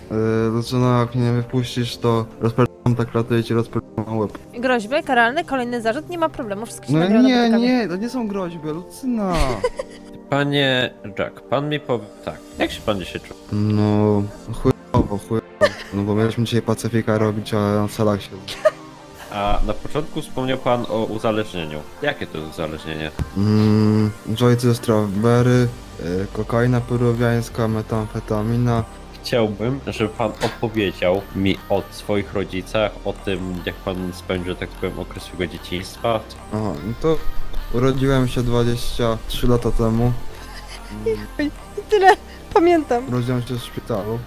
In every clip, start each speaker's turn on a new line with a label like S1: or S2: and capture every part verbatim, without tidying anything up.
S1: Yy, zaczyna, jak mnie nie wypuścisz, to rozpędzam tak klatę i ci rozpędzam łeb.
S2: Groźby, karalny, kolejny zarzut, nie ma problemu, wszystko się
S1: No
S2: nagrywa na
S1: nie,
S2: wytykanie.
S1: nie, to nie są groźby, Lucyna.
S3: Panie Jack, pan mi powie tak. Jak się pan dzisiaj czuje?
S1: No, chujowo, chujowo. No bo mieliśmy dzisiaj Pacyfika robić, a na celach się...
S3: A na początku wspomniał pan o uzależnieniu. Jakie to jest uzależnienie?
S1: Mmm, jointy ze strawberry, yy, kokaina peruwiańska, metamfetamina.
S3: Chciałbym, żeby pan opowiedział mi o swoich rodzicach, o tym, jak pan spędził, tak powiem, okres swojego dzieciństwa.
S1: Aha, no to urodziłem się dwadzieścia trzy lata temu.
S2: I tyle, pamiętam.
S1: Urodziłem się w szpitalu.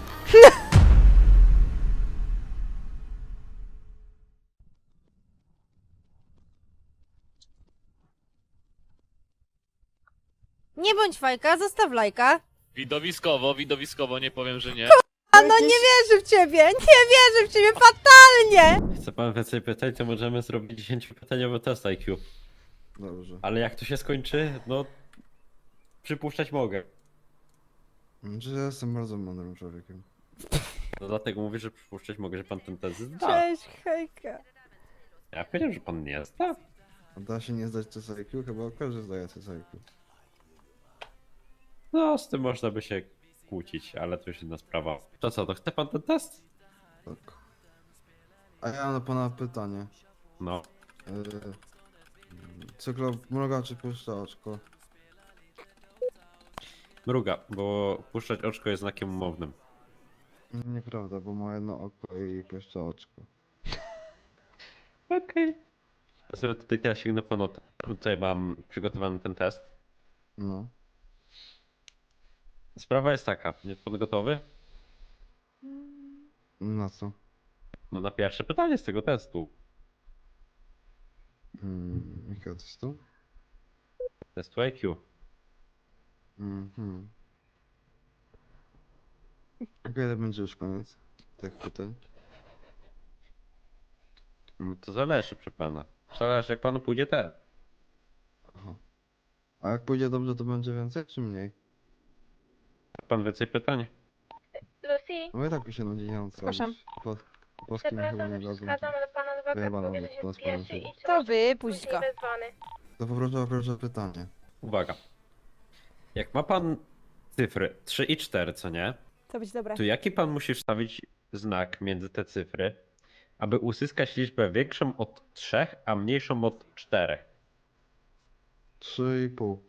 S2: Nie bądź fajka, zostaw lajka.
S4: Widowiskowo, widowiskowo, nie powiem, że nie.
S2: A no nie wierzę w ciebie, nie wierzę w ciebie fatalnie!
S3: Chce pan więcej pytań, to możemy zrobić dziesięciopytaniowy test I Q.
S1: Dobrze.
S3: Ale jak to się skończy, no... Przypuszczać mogę.
S1: Że ja jestem bardzo mądrym człowiekiem.
S3: No dlatego mówię, że przypuszczać mogę, że pan ten test zda.
S2: Cześć, hejka.
S3: Ja powiedziałem, że pan nie zda.
S1: A da się nie zdać test I Q? Chyba każdy zdaje test I Q.
S3: No, z tym można by się kłócić, ale to już inna sprawa. To co, to chce pan ten test?
S1: Tak. A ja mam do pana pytanie.
S3: No.
S1: Yy, cyklo mruga czy puszcza oczko?
S3: Mruga, bo puszczać oczko jest znakiem umownym.
S1: Nieprawda, bo ma jedno oko i puszcza oczko.
S3: Okej. Okay. Ja sobie tutaj teraz sięgnę po notę. Tutaj mam przygotowany ten test.
S1: No.
S3: Sprawa jest taka, jest pan gotowy?
S1: Na co?
S3: No na pierwsze pytanie z tego testu.
S1: Hmm, jakiego testu?
S3: Testu I Q.
S1: Mhm. Kiedy będzie już koniec tych pytań?
S3: No to zależy, proszę pana. Zależy, jak panu pójdzie ten.
S1: Aha. A jak pójdzie dobrze, to będzie więcej czy mniej?
S3: Pan więcej pytań?
S5: Lucy,
S1: No i tak mi się nudzi, nie mam co
S2: Zgłaszam.
S1: robić. Po, po polskim chyba
S5: przepraszam,
S1: nie
S5: że
S1: dadzą.
S5: przeszkadzam, ale pana adwokat
S1: Wyjebana
S5: powie, że
S1: od
S5: się
S1: nas
S5: spieszy
S1: pana
S5: i czy
S2: To
S5: może
S2: wypuść
S5: później
S2: go.
S5: wezwany.
S1: To poproszę o pierwsze pytanie.
S3: Uwaga. Jak ma pan cyfry trzy i cztery, co nie?
S2: To być dobre.
S3: To jaki pan musi wstawić znak między te cyfry, aby uzyskać liczbę większą od trzech, a mniejszą od czterech?
S1: Trzy i pół.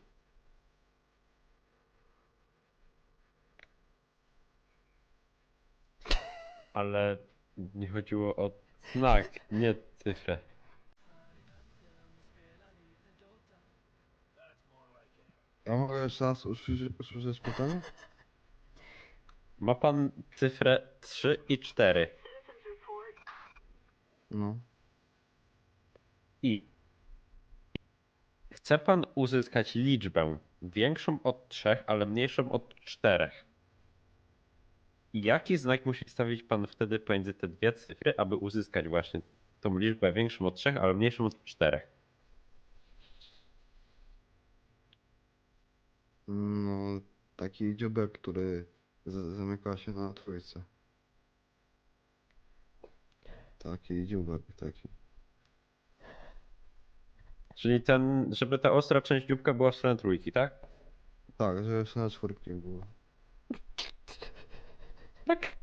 S3: Ale nie chodziło o znak, nie cyfrę.
S1: A mogę jeszcze raz usłyszeć, usłyszeć pytanie?
S3: Ma pan cyfrę trzy i cztery
S1: No.
S3: i chce pan uzyskać liczbę większą od trzech, ale mniejszą od czterech. Jaki znak musi stawić pan wtedy pomiędzy te dwie cyfry, aby uzyskać właśnie tą liczbę większą od trzech, ale mniejszą od czterech?
S1: No, taki dziubek, który z- zamyka się na trójce. Taki dziubek, taki.
S3: Czyli ten, żeby ta ostra część dzióbka była w stronę trójki, tak?
S1: Tak, że jeszcze na czwórki było.
S3: Tak.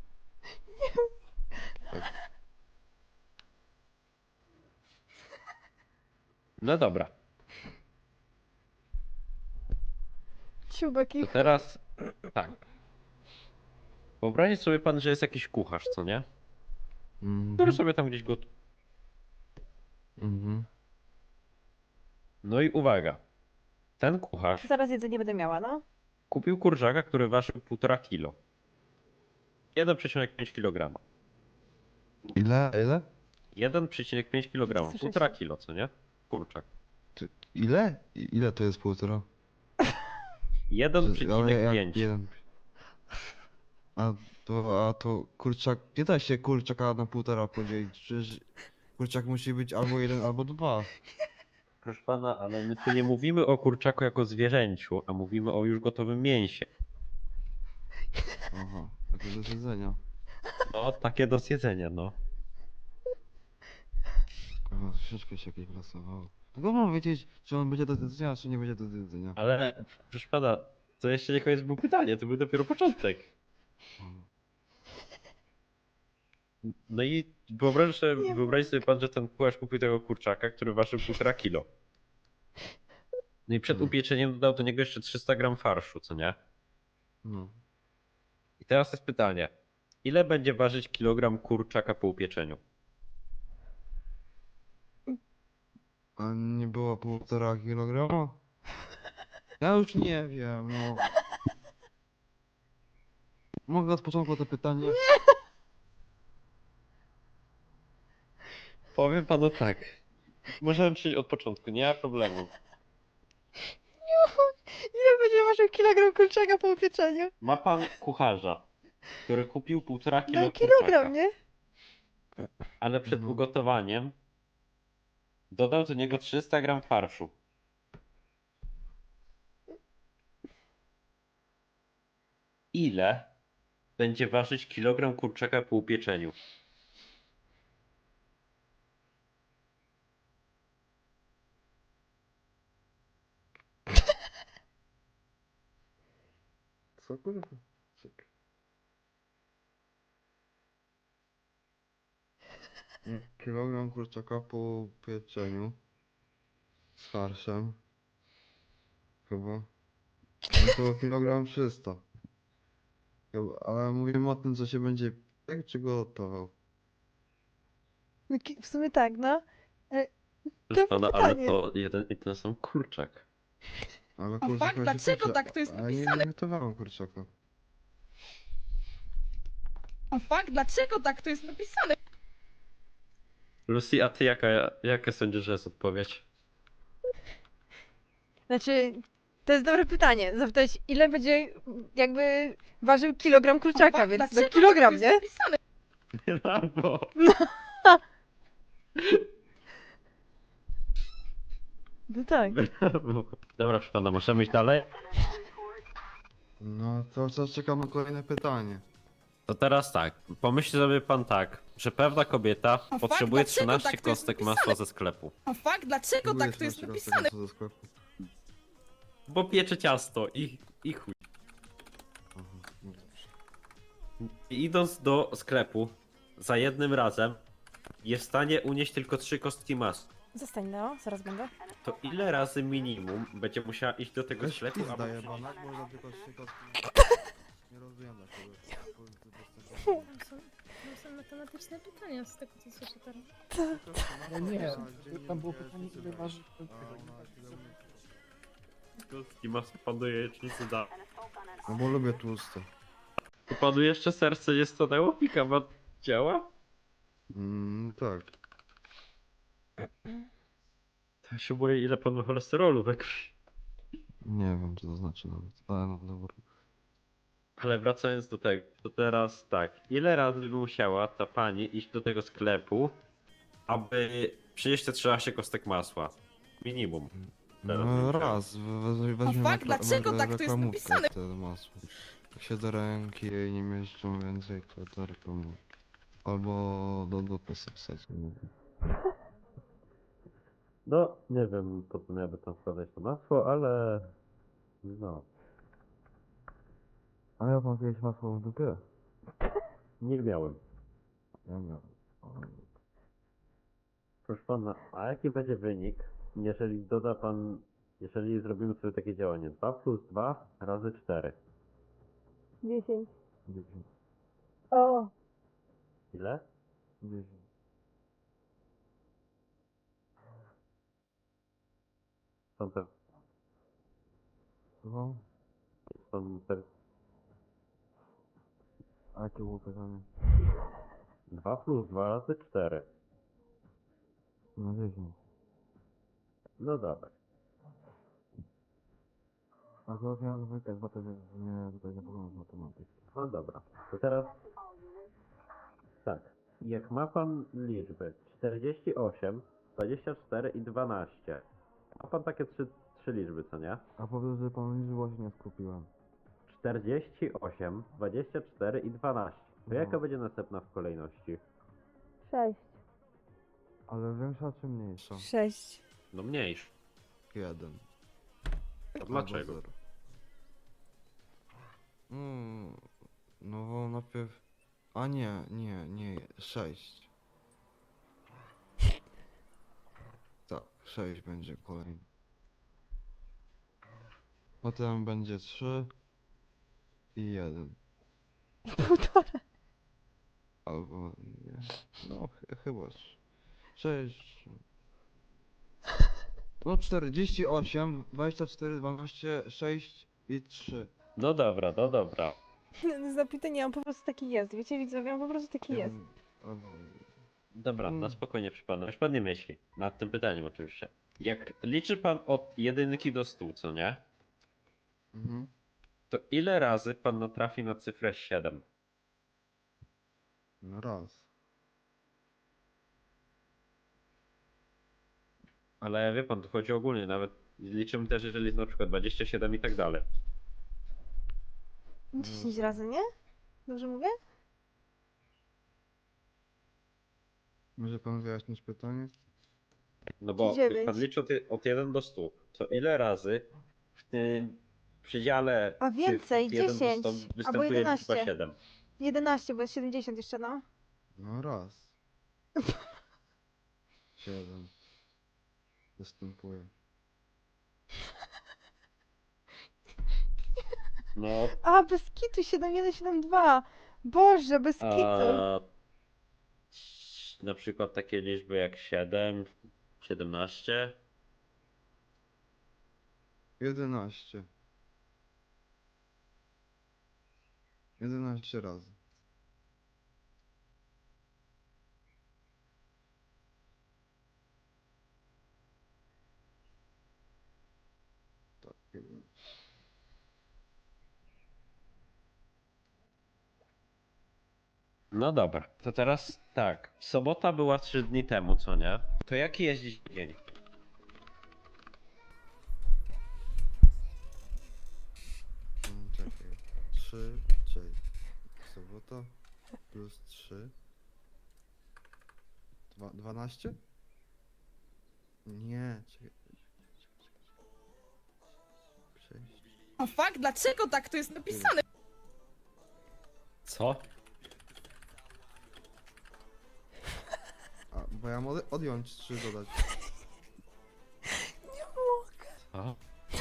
S3: No dobra,
S2: Ciubek i...
S3: to teraz tak. Wyobraźcie sobie pan, że jest jakiś kucharz, co nie?
S1: Mhm.
S3: Który sobie tam gdzieś gotuje.
S1: Mhm.
S3: No i uwaga. Ten kucharz
S2: Zaraz jedzenie będę miała, no.
S3: kupił kurczaka, który ważył półtora kilo. jeden przecinek pięć kilograma.
S1: Ile? Ile?
S3: jeden przecinek pięć kilograma.
S2: Słyszę
S3: Półtora
S2: się.
S3: kilo, co nie? Kurczak.
S1: Ty, ile? I- Ile to jest półtora?
S3: jeden
S1: Ale
S3: przecinek
S1: jak
S3: pięć.
S1: jeden. A to, a to kurczak, nie da się kurczaka na półtora podzielić, przecież kurczak musi być albo jeden, albo dwa.
S3: Proszę pana, ale my tu nie mówimy o kurczaku jako zwierzęciu, a mówimy o już gotowym mięsie.
S1: Aha, to do jedzenia.
S3: No, takie do zjedzenia, no.
S1: Kurwa, troszeczkę się jakieś wylosowało. Tylko mam wiedzieć, czy on będzie do zjedzenia, czy nie będzie do zjedzenia.
S3: Ale, proszę pana, to jeszcze nie koniec było pytanie, to był dopiero początek. No i wyobraź sobie, wyobraź sobie pan, że ten kucharz kupił tego kurczaka, który ważył półtora kilo. No i przed
S1: Mhm.
S3: upieczeniem dodał do niego jeszcze trzysta gram farszu, co nie?
S1: No.
S3: I teraz jest pytanie. Ile będzie ważyć kilogram kurczaka po upieczeniu?
S1: A nie było półtora kilograma? Ja już nie wiem, no. Mogę od początku to pytanie?
S3: Powiem panu tak. Możemy przyjść od początku, nie ma problemu.
S2: Ile będzie ważył kilogram kurczaka po upieczeniu?
S3: Ma pan kucharza, który kupił półtora kilo
S2: No
S3: kurczaka,
S2: kilogram, nie?
S3: ale przed
S1: No.
S3: ugotowaniem dodał do niego trzysta gram farszu. Ile będzie ważyć kilogram kurczaka po upieczeniu?
S1: Co kurwa? Czekaj. Mm, Kilogram kurczaka po pieczeniu z farszem. Chyba. No to kilogram trzysta. Chyba, ale mówimy o tym, co się będzie piekł, czy gotował.
S2: No, ki- w sumie tak, no.
S3: Proszę
S2: To
S3: pana, ale
S2: pytanie.
S3: to jeden i ten sam kurczak.
S1: Ale
S6: A
S1: kurczaka
S6: fakt,
S1: się
S6: dlaczego
S1: piecze,
S6: tak to jest
S1: ale nie,
S6: napisane?
S1: nie gotowałem kurczaka.
S6: A fakt, dlaczego tak to jest napisane?
S3: Lucy, a ty jaka, jaka sądzisz, że jest odpowiedź?
S2: Znaczy, to jest dobre pytanie. Zapytać, ile będzie jakby ważył kilogram
S6: A
S2: kurczaka,
S6: fakt,
S2: więc
S6: dlaczego
S2: no
S6: tak
S2: kilogram,
S6: to
S2: nie?
S6: jest napisane?
S3: Brawo!
S2: No tak.
S3: Brawo. Dobra, proszę pana, możemy iść dalej?
S1: No to co, czekam na kolejne pytanie.
S3: To teraz tak, pomyśl sobie pan tak, że pewna kobieta
S6: fakt,
S3: potrzebuje
S6: dlaczego
S3: trzynaście
S6: tak to jest
S3: kostek
S6: napisane?
S3: masła ze sklepu.
S6: A fakt, dlaczego
S1: Próbuję
S6: tak to jest
S1: trzymać się
S6: napisane?
S1: tego, co ze sklepu.
S3: Bo piecze ciasto i, i chuj.
S1: Aha, no dobrze.
S3: I idąc do sklepu za jednym razem jest w stanie unieść tylko trzy kostki masła.
S2: Zostań, no, zaraz będę.
S3: To ile razy minimum będzie musiała iść do tego
S1: Weź
S3: sklepu,
S1: pizda
S3: aby...
S1: jebana, można tylko trzy kostki. Nie rozumiem dlaczego.
S7: Tam są, tam są matematyczne pytania z tego co słyszę teraz.
S1: No
S8: nie, tam było pytanie, ile waży ten
S3: Kostki masła panu jajecznicy da.
S1: No bo lubię tłuste.
S3: To panu jeszcze serce nie stanęło? Pikawa działa?
S1: Mm, tak.
S3: To ja się boję, ile pan ma cholesterolu we krwi.
S1: Nie wiem co to znaczy nawet, ale no dobra.
S3: Ale wracając do tego, to teraz tak. Ile razy by musiała ta pani iść do tego sklepu, aby przynieść te trzynaście kostek masła? Minimum. Teraz
S1: No
S3: bym
S1: raz, we- we- weźmiemy
S6: fakt, dlaczego tak to jest
S1: reklamówkę
S6: napisane?
S1: wtedy masło. Jak się do ręki jej nie mieszczą więcej, to to reklamu. Albo do dupy sobie wsadzić, nie wiem.
S3: No, nie wiem po co miałby tam wkładać to masło, ale... No.
S1: A ja mam jakieś masło w dupie?
S3: Nie miałem.
S1: Ja miałem.
S3: Proszę pana, a jaki będzie wynik, jeżeli doda pan... Jeżeli zrobimy sobie takie działanie dwa plus dwa razy cztery?
S2: dziesięć.
S1: dziesięć.
S2: O!
S3: Ile?
S1: dziesięć.
S3: Są te...
S1: Słucham?
S3: Są te...
S1: A jakie było pytanie?
S3: dwa plus dwa razy cztery.
S1: No dziesięć.
S3: No dobra.
S1: A to miałem zwykle, bo to nie, tutaj nie poglądam matematyki.
S3: No dobra. To teraz... Tak. Jak ma pan liczby czterdzieści osiem, dwadzieścia cztery i dwanaście. Ma pan takie trzy, trzy liczby, co nie?
S1: A powiem, że pan liczby właśnie nie skupiłem.
S3: czterdzieści osiem, dwadzieścia cztery i dwanaście. To jaka będzie następna w kolejności?
S2: Sześć.
S1: Ale większa czy mniejsza?
S2: Sześć.
S3: No mniejszy.
S1: Jeden.
S3: A dlaczego?
S1: Albo zero. Mm, no bo najpierw... A nie, nie, nie, sześć. Tak, sześć będzie kolejny. Potem będzie trzy i jeden.
S2: Półtora.
S1: Albo nie. No ch chyba trzy. sześć. No czterdzieści osiem, dwadzieścia cztery, dwanaście, sześć i trzy.
S3: No dobra, no dobra.
S2: Zapytanie, on po prostu taki jest. Wiecie, widzowie, on po prostu taki jest.
S3: Dobra,
S1: Mm.
S3: na spokojnie przypadam. Już pan nie myśli. Nad tym pytaniem oczywiście. Jak liczy pan od jedynki do stu, co nie?
S1: Mhm.
S3: To ile razy pan natrafi na cyfrę siedem?
S1: No raz.
S3: Ale wie pan, tu chodzi ogólnie, nawet liczymy też, jeżeli jest na przykład dwadzieścia siedem i tak dalej.
S2: Dziesięć razy, nie? Dobrze mówię?
S1: Może pan wyjaśnić pytanie?
S3: No bo jak
S2: dziewięć.
S3: pan liczy od, je- od jeden do stu, to ile razy w tym przedziale
S2: A więcej,
S3: cyfr jeden do
S2: dziesięć,
S3: stu
S2: albo
S3: występuje
S2: jedenaście.
S3: liczba siedem?
S2: Jedenaście, bo jest siedemdziesiąt jeszcze, no.
S1: No raz. Siedem. Występuje.
S3: No,
S2: A, bez kitu, siedem jeden, siedem dwa. Boże, bez kitu.
S3: a na przykład takie liczby jak siedem, siedemnaście.
S1: Jedenaście. Jedenaście razy. Tak, chyba.
S3: No dobra, to teraz tak. Sobota była trzy dni temu, co nie? To jaki jest dziś dzień?
S1: Mm, Czekaj. trzy, czyli sobota plus trzy. Dwa, dwanaście? Nie, czekaj. sześć.
S6: O fuck, dlaczego tak to jest napisane?
S3: Co?
S1: A, bo ja mogę odjąć trzy dodać.
S3: Co?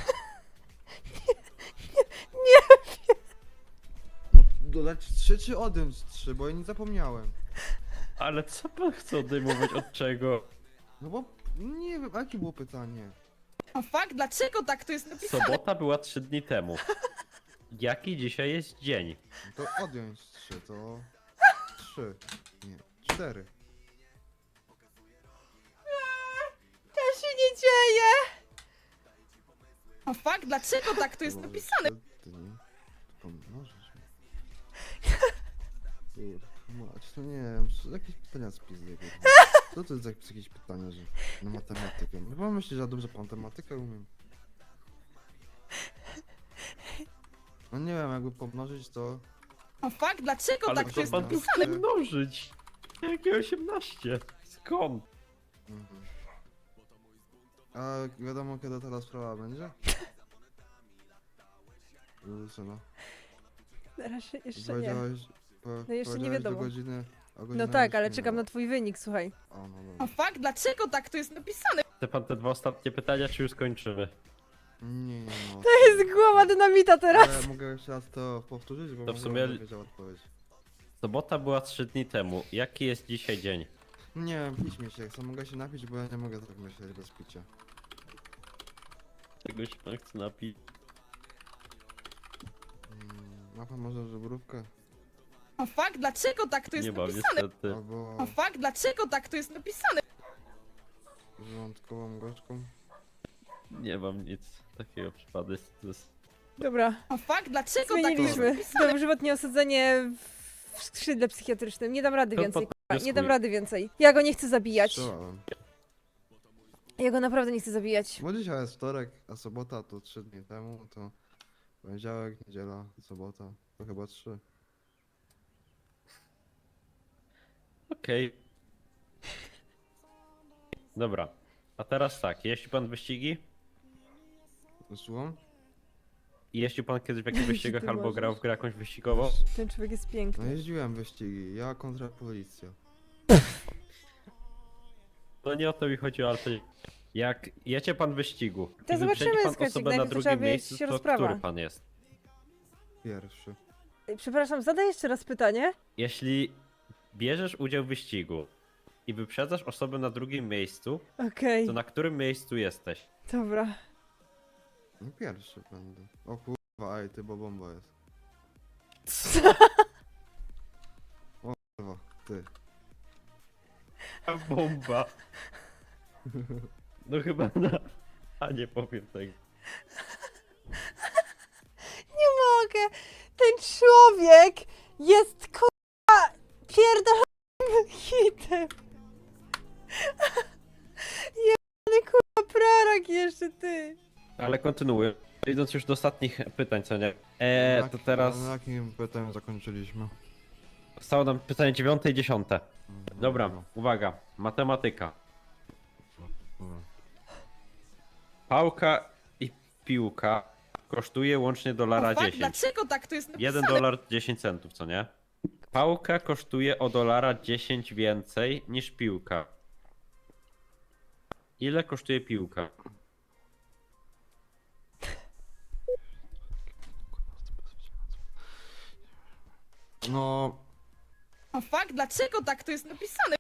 S1: No, dodać trzy czy odjąć trzy, bo ja nie zapomniałem.
S3: Ale co pan chce odejmować od czego?
S1: No bo nie wiem, a jakie było pytanie?
S6: O fuck, dlaczego tak to jest napisane?
S3: Sobota była trzy dni temu. Jaki dzisiaj jest dzień?
S1: No to odjąć trzy, to trzy. Nie, cztery.
S2: To się nie dzieje.
S6: O fuck, dlaczego tak to jest
S1: Może
S6: napisane?
S1: trzy dni. Pomnożysz mi. Kurwa, mać, to nie wiem, co- jakieś pytania z pizdy, kurwa. Co to jest za jakieś pytanie, że na matematykę? No bo myślę, że ja dobrze po matematykę umiem. No nie wiem, jakby pomnożyć to...
S6: O fuck, dlaczego
S3: Ale
S6: tak to
S3: co
S6: jest
S3: pan tu
S6: napisane?
S3: chce mnożyć? Jakie osiemnaście? Skąd?
S1: Mhm. A wiadomo, kiedy ta sprawa będzie? Lucyna.
S2: Teraz się jeszcze nie.
S1: Powiedziałeś... Po,
S2: No jeszcze nie
S1: powiedziałeś
S2: wiadomo.
S1: Do godziny, a
S2: No
S1: godzina
S2: tak,
S1: już
S2: ale
S1: minęła.
S2: czekam na twój wynik, słuchaj.
S1: O, no
S6: O
S1: dobra.
S6: fuck, dlaczego tak to jest napisane?
S3: Chce pan te dwa ostatnie pytania, czy już skończymy?
S1: Nie, nie, no.
S2: To jest głowa dynamita teraz.
S1: Ale mogę jeszcze raz to powtórzyć, bo
S3: To w
S1: może
S3: sumie-
S1: będę wiedział odpowiedź.
S3: Sobota była trzy dni temu. Jaki jest dzisiaj dzień?
S1: Nie wiem, pić mi się, chcę, mogę się napić, bo ja nie mogę tak myśleć bez picia.
S3: Czego się pan chce napić?
S1: Mm, ma pan może żebrówkę?
S6: O fuck, dlaczego tak to jest
S3: Nie mam
S6: napisane?
S3: niestety.
S1: Albo
S6: O fuck, dlaczego tak to jest napisane?
S1: żołądkową gorzką?
S3: Nie mam nic takiego przypadku. To jest...
S2: Dobra,
S6: O fuck, dlaczego tak to jest
S2: zmieniliśmy.
S6: napisane?
S2: Dożywotnie osadzenie w skrzydle psychiatrycznym. Nie dam rady
S3: To
S2: więcej.
S3: po-
S2: k***a. Nie dam rady więcej. Ja go nie chcę zabijać.
S1: Strzelałem.
S2: Ja go naprawdę nie chcę zabijać.
S1: Bo dzisiaj jest wtorek, a sobota to trzy dni temu, to poniedziałek, niedziela, sobota, to chyba trzy.
S3: Okej. Dobra. A teraz tak, jeździ pan wyścigi?
S1: Słucham?
S3: I jeździł pan kiedyś w jakichś wyścigach
S2: Ty
S3: albo
S2: możesz.
S3: grał w grę jakąś wyścigową?
S2: Ten człowiek jest
S1: No
S2: piękny.
S1: jeździłem wyścigi, ja kontra policja.
S3: No nie o to mi chodziło, ale to... Jak jedzie pan w wyścigu
S2: To
S3: i wyprzedzi
S2: zobaczymy,
S3: pan
S2: Skacik,
S3: osobę na
S2: najpierw trzeba
S3: drugim
S2: wiedzieć,
S3: miejscu,
S2: się
S3: to
S2: rozprawa.
S3: który pan jest?
S1: Pierwszy.
S2: Ej, Przepraszam, zadaj jeszcze raz pytanie.
S3: Jeśli bierzesz udział w wyścigu i wyprzedzasz osobę na drugim miejscu,
S2: Okej,
S3: to na którym miejscu jesteś?
S2: dobra.
S1: No pierwszy będę. O kurwa, ej, ty, bo bomba jest. O kurwa, ty.
S3: Bomba. No chyba na... A nie powiem tego.
S2: Nie mogę! Ten człowiek jest kurwa pierdolonym hitem. Jebany kurwa prorok jeszcze ty.
S3: Ale kontynuuję. Idąc już do ostatnich pytań, co nie? Eee,
S1: Na
S3: to
S1: jak-
S3: teraz
S1: Na jakim pytaniu zakończyliśmy?
S3: zostało nam pytanie dziewiąte i dziesiąte.
S1: Mhm,
S3: Dobra, uwaga. Matematyka. Pałka i piłka kosztuje łącznie dolara
S6: O fuck,
S3: dziesięć.
S6: dlaczego tak to jest napisane?
S3: jeden dolar dziesięć centów, co nie? Pałka kosztuje o dolara dziesięć więcej niż piłka. Ile kosztuje piłka?
S1: No,
S6: O fuck, dlaczego tak to jest napisane?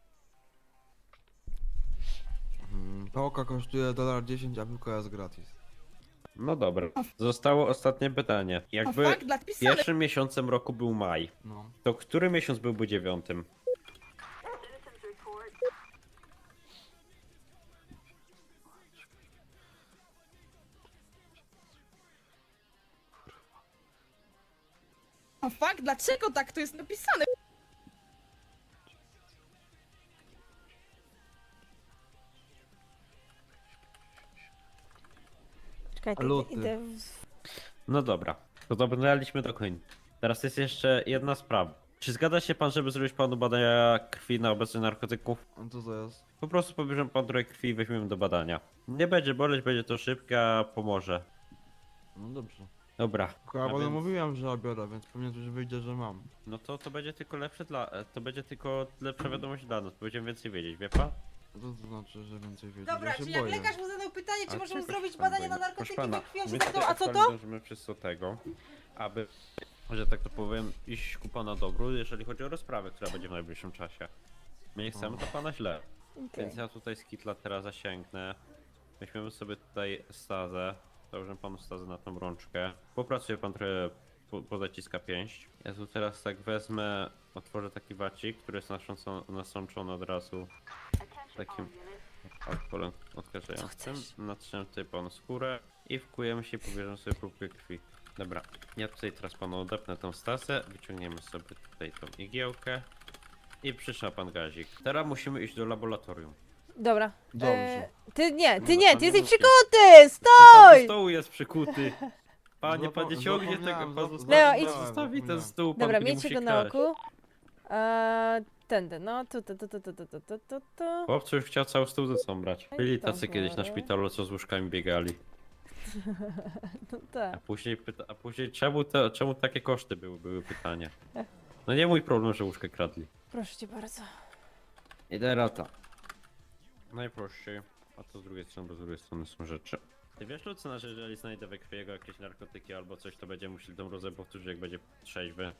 S1: mm, pałka kosztuje dolar dziesięć, a piłka jest gratis.
S3: No dobra. Zostało ostatnie pytanie.
S6: O
S3: Jakby
S6: fuck, dla napisane.
S3: pierwszym miesiącem roku był maj,
S1: No.
S3: to który miesiąc byłby dziewiątym?
S6: O fuck, dlaczego tak to jest napisane?
S2: Czekaj, ty,
S1: Luty.
S2: idę w...
S3: No dobra, to dobrnęliśmy do końca. Teraz jest jeszcze jedna sprawa. Czy zgadza się pan, żeby zrobić panu badania krwi na obecność narkotyków?
S1: A co to jest?
S3: Po prostu pobierzemy pan trochę krwi i weźmiemy do badania. Nie będzie boleć, będzie to szybkie, a pomoże.
S1: No dobrze.
S3: Dobra.
S1: Ja
S3: a
S1: panu
S3: więc-
S1: mówiłem, że biorę, więc pewnie coś wyjdzie, że mam.
S3: No to to będzie tylko lepsze dla... e, To będzie tylko lepsza wiadomość dla nas. Będziemy więcej wiedzieć, wie pan?
S1: Co to znaczy, że więcej wiedzieć?
S2: Dobra,
S1: ja się
S2: czyli jak
S1: boję.
S2: lekarz mu zadał pytanie, czy
S3: A
S2: możemy
S3: czego
S2: zrobić
S3: się pan
S2: badania na
S3: boi? Proszę
S2: narkotyki
S3: pana,
S2: we krwi, on się
S3: my
S2: zapytał,
S3: tutaj
S2: a co to?
S3: aktualnie dążymy wszyscy do tego, aby, że tak to powiem, iść ku pana dobru, jeżeli chodzi o rozprawę, która będzie w najbliższym czasie. My nie chcemy do pana źle.
S2: Okej.
S3: Więc ja tutaj z kitla teraz zasięgnę. Weźmiemy sobie tutaj stazę. Założę panu stazę na tą rączkę. Popracuje pan trochę, po- pozaciska pięść. Ja tu teraz tak wezmę, otworzę taki wacik, który jest nasączony, nasączony od razu takim alkoholem odkażającym. Natrzemy tutaj panu skórę i wkujemy się i pobierzemy sobie próbkę krwi. Dobra, ja tutaj teraz panu odepnę tą stazę, wyciągniemy sobie tutaj tą igiełkę i przytrzyma pan gazik. Teraz musimy iść do laboratorium.
S2: Dobra.
S1: Dobrze.
S2: E, ty nie, ty
S3: No,
S2: nie,
S3: pan
S2: ty
S3: nie
S2: jesteś
S3: musi.
S2: przykuty!
S3: Czy pan do
S2: Stój!
S3: stołu jest przykuty? Panie, pan nie
S1: Zapa-
S3: ciągnie
S1: zapomniałem,
S3: tego, pan
S1: zap-
S3: zostawi,
S2: Leo,
S3: pan
S2: idź.
S3: zostawi ten
S1: Zapomniałem.
S3: stół, pan
S2: Dobra,
S3: tu nie
S2: miejcie
S3: musi
S2: go na
S3: kraść.
S2: oku. Eee, tędy, no, tu, tu, tu, tu, tu, tu, tu, tu, tu, tu.
S3: Chłopcy już chciał cały stół ze sobą brać. Byli tacy
S2: Dobra.
S3: kiedyś na szpitalu, co z łóżkami biegali.
S2: No
S3: A
S2: tak.
S3: później, pyta, a później czemu, te, czemu takie koszty były, były pytanie. No nie mój problem, że łóżkę kradli.
S2: Proszę cię bardzo.
S3: I teraz tak. Najprościej, a to z drugiej strony, bo z drugiej strony są rzeczy. Ty wiesz, Lucyna, że jeżeli znajdę we krwi jego jakieś narkotyki albo coś, to będziemy musieli tą rozę powtórzyć, jak będzie trzeźwy.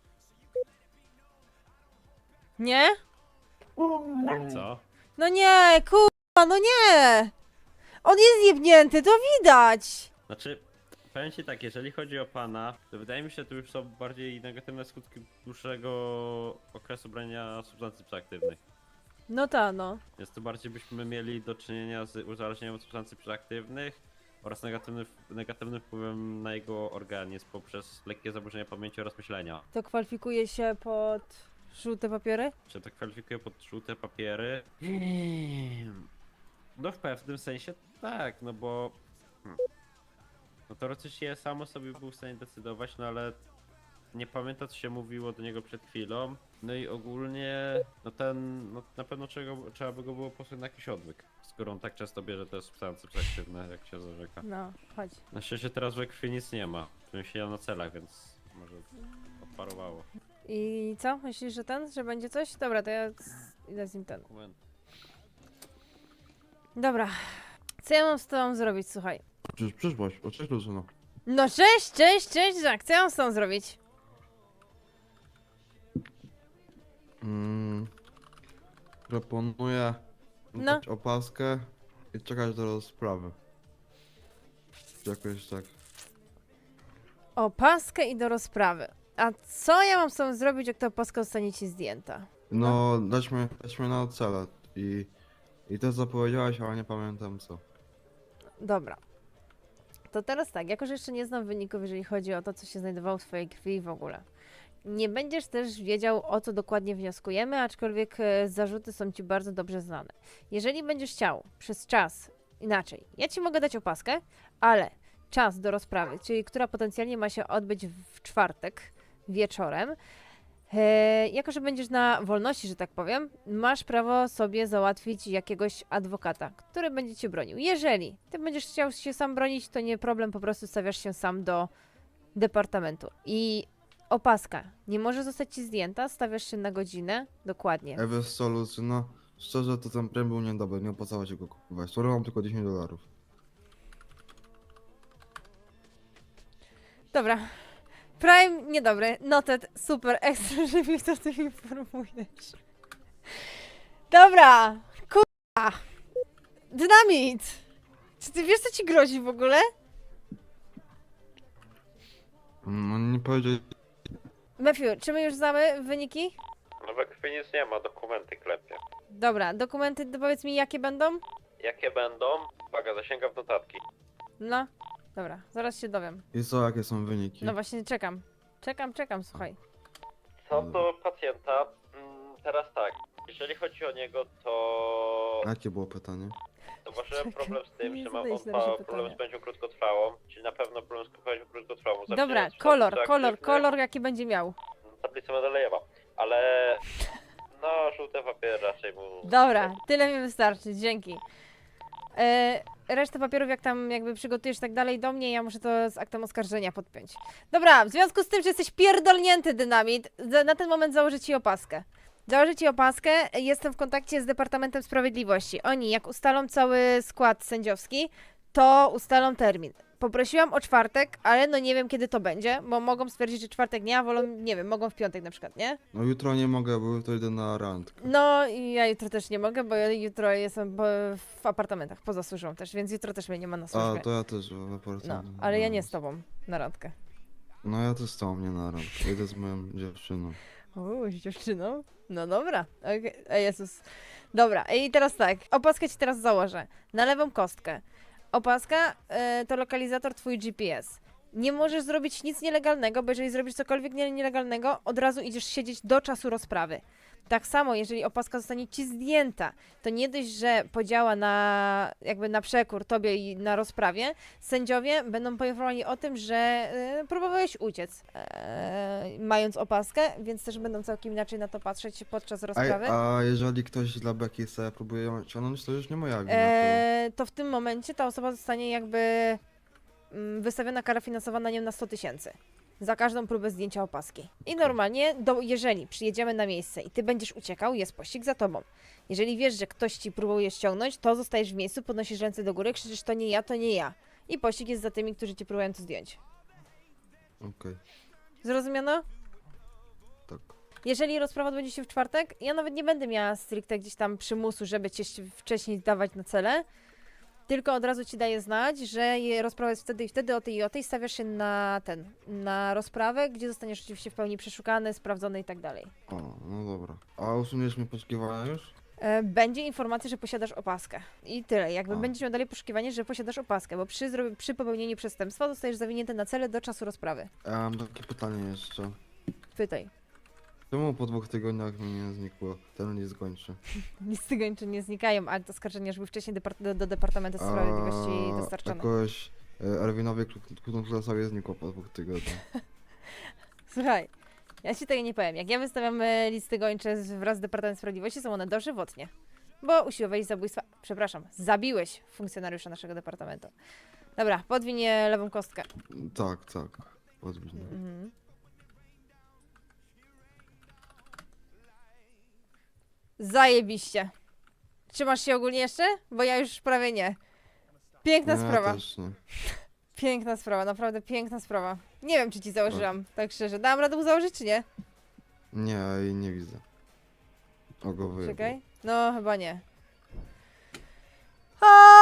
S2: Nie?
S3: Co?
S2: No nie, kurwa, no nie! On jest jebnięty, to widać!
S3: Znaczy, powiem ci tak, jeżeli chodzi o pana, to wydaje mi się, że to już są bardziej negatywne skutki dłuższego okresu brania substancji psychoaktywnych.
S2: No ta, no.
S3: Więc to bardziej byśmy mieli do czynienia z uzależnieniem od substancji psychoaktywnych oraz negatywnym, negatywnym wpływem na jego organizm poprzez lekkie zaburzenia pamięci oraz myślenia.
S2: To kwalifikuje się pod żółte papiery?
S3: Czy to kwalifikuje pod żółte papiery? No w pewnym sensie tak, no bo... Hmm. No teoretycznie samo sobie był w stanie decydować, no ale nie pamięta co się mówiło do niego przed chwilą. No i ogólnie, no ten, no na pewno trzeba, trzeba by go było posłać na jakiś odwyk. Skoro on tak często bierze te substancje psychoaktywne, jak się zarzeka.
S2: No, chodź.
S3: Na szczęście teraz we krwi nic nie ma. Bym siedział na celach, więc może odparowało.
S2: I co? Myślisz, że ten, że będzie coś? Dobra, to ja z- idę z nim ten.
S3: Dokument.
S2: Dobra. Co ja mam z tobą zrobić, słuchaj?
S1: Przecież przyszłaś, o cześć Lucyno.
S2: No cześć, cześć, cześć, Jack. Co ja mam z tobą zrobić?
S1: Mm, proponuję
S2: No.
S1: dać opaskę i czekać do rozprawy. Jakoś tak.
S2: Opaskę i do rozprawy. A co ja mam z tobą zrobić, jak ta opaska zostanie ci zdjęta?
S1: No, daćmy, daćmy na cele i, i to zapowiedziałaś, ale nie pamiętam co.
S2: Dobra. To teraz tak, jako że jeszcze nie znam wyników, jeżeli chodzi o to, co się znajdowało w twojej krwi i w ogóle. Nie będziesz też wiedział, o co dokładnie wnioskujemy, aczkolwiek e, zarzuty są ci bardzo dobrze znane. Jeżeli będziesz chciał przez czas, inaczej, ja ci mogę dać opaskę, ale czas do rozprawy, czyli która potencjalnie ma się odbyć w czwartek wieczorem, e, jako że będziesz na wolności, że tak powiem, masz prawo sobie załatwić jakiegoś adwokata, który będzie cię bronił. Jeżeli ty będziesz chciał się sam bronić, to nie problem, po prostu stawiasz się sam do departamentu. I opaska nie może zostać ci zdjęta, stawiasz się na godzinę, dokładnie.
S1: E wiesz co, Lucyno, szczerze to ten prem był niedobry, nie opłacało się go kupować. Skoro mam tylko dziesięć dolarów.
S2: Dobra. Prime niedobry, noted, super, ekstra, że mi to ty informujesz. Dobra, kurwa. Dynamit! Czy ty wiesz, co ci grozi w ogóle?
S1: No nie powiedział.
S2: Matthew, czy my już znamy wyniki?
S3: No we krwi nic nie ma, dokumenty klepie.
S2: Dobra, dokumenty, to powiedz mi, jakie będą?
S3: Jakie będą? Uwaga, zasięgam w notatki.
S2: No, dobra, zaraz się dowiem.
S1: I co, jakie są wyniki?
S2: No właśnie, czekam. Czekam, czekam, słuchaj.
S3: Co do pacjenta, mm, teraz tak. Jeżeli chodzi o niego, to
S1: Jakie było pytanie?
S3: zauważyłem
S2: Czekaj,
S3: problem z tym,
S2: nie
S3: że mam
S2: zadajesz
S3: on
S2: na razie
S3: pa, problem z
S2: pytania.
S3: pamięcią krótkotrwałą, czyli na pewno problem z pamięcią krótkotrwałą.
S2: Dobra,
S3: Zaczynając od
S2: kolor,
S3: faktu,
S2: kolor,
S3: aktywny,
S2: kolor, jaki będzie miał.
S3: Tablica Mendelejewa, ale no żółte papiery raczej mu...
S2: Dobra, tyle mi wystarczy, dzięki. E, resztę papierów, jak tam jakby przygotujesz tak dalej do mnie, ja muszę to z aktem oskarżenia podpiąć. Dobra, w związku z tym, że jesteś pierdolnięty, Dynamit, za- na ten moment założę ci opaskę. Założę ci opaskę, jestem w kontakcie z Departamentem Sprawiedliwości. Oni, jak ustalą cały skład sędziowski, to ustalą termin. Poprosiłam o czwartek, ale no nie wiem, kiedy to będzie, bo mogą stwierdzić, że czwartek nie, a wolą, nie wiem, mogą w piątek na przykład, nie?
S1: No jutro nie mogę, bo jutro idę na randkę.
S2: No i ja jutro też nie mogę, bo ja jutro jestem po, w apartamentach, poza służbą też, więc jutro też mnie nie ma na
S1: A,
S2: służbie.
S1: to ja też w
S2: No,
S1: apartamencie.
S2: ale ja nie z tobą na randkę.
S1: No ja też z tobą nie na randkę. Idę z moją dziewczyną.
S2: Uuu, z dziewczyną? No dobra, okej, okay. Jezus. Dobra, i teraz tak, opaskę ci teraz założę. Na lewą kostkę. Opaska y, to lokalizator twój G P S. Nie możesz zrobić nic nielegalnego, bo jeżeli zrobisz cokolwiek nie- nielegalnego, od razu idziesz siedzieć do czasu rozprawy. Tak samo, jeżeli opaska zostanie ci zdjęta, to nie dość, że podziała na jakby na przekór tobie i na rozprawie, sędziowie będą poinformowani o tym, że e, próbowałeś uciec, e, mając opaskę, więc też będą całkiem inaczej na to patrzeć podczas
S1: A,
S2: rozprawy.
S1: a jeżeli ktoś dla beki sobie próbuje ją ciągnąć, to już nie moja wina.
S2: E, to w tym momencie ta osoba zostanie jakby mm, wystawiona kara finansowa na nią na sto tysięcy. Za każdą próbę zdjęcia opaski. I normalnie, do, jeżeli przyjedziemy na miejsce i ty będziesz uciekał, jest pościg za tobą. Jeżeli wiesz, że ktoś ci próbuje ściągnąć, to zostajesz w miejscu, podnosisz ręce do góry, krzyczysz to nie ja, to nie ja. I pościg jest za tymi, którzy ci próbują to zdjąć.
S1: to... Okej,
S2: Zrozumiano?
S1: tak.
S2: Jeżeli rozprawa odbędzie się w czwartek, ja nawet nie będę miała stricte gdzieś tam przymusu, żeby cię wcześniej dawać na cele, tylko od razu ci daję znać, że je- rozprawa jest wtedy i wtedy, o tej i o tej, stawiasz się na ten, na rozprawę, gdzie zostaniesz oczywiście w pełni przeszukany, sprawdzony i tak dalej.
S1: O, no dobra. A usuniesz mi poszukiwania już?
S2: E, Będzie informacja, że posiadasz opaskę. I tyle. Jakby
S1: A.
S2: będziesz miał dalej poszukiwanie, że posiadasz opaskę, bo przy, zro- przy popełnieniu przestępstwa zostajesz zawinięty na cele do czasu rozprawy.
S1: Ja mam takie pytanie jeszcze.
S2: Pytaj.
S1: Czemu po dwóch tygodniach mi nie znikło? Ten list kończy.
S2: Nic cygańczy nie znikają, ale to oskarżenia już były wcześniej depart- do, do Departamentu Sprawiedliwości dostarczone.
S1: Jakoś e, Erwinowi Klutoklasowi znikło po dwóch tygodniach.
S2: Słuchaj, ja ci tego nie powiem. Jak ja wystawiam e, listy gończe z- wraz z Departamentem Sprawiedliwości, są one dożywotnie. Bo usiłowałeś zabójstwa, przepraszam, zabiłeś funkcjonariusza naszego departamentu. Dobra, podwinie lewą kostkę.
S1: Tak, tak. Podwójnie.
S2: Mhm. Zajebiście. Trzymasz się ogólnie jeszcze? Bo ja już prawie nie. Piękna
S1: Nie,
S2: sprawa.
S1: też nie.
S2: Piękna sprawa, naprawdę piękna sprawa. Nie wiem, czy ci założyłam, tak szczerze. Dałam radę mu założyć, czy nie?
S1: Nie, jej nie widzę. O go wyjebał.
S2: Czekaj. No, chyba nie. A!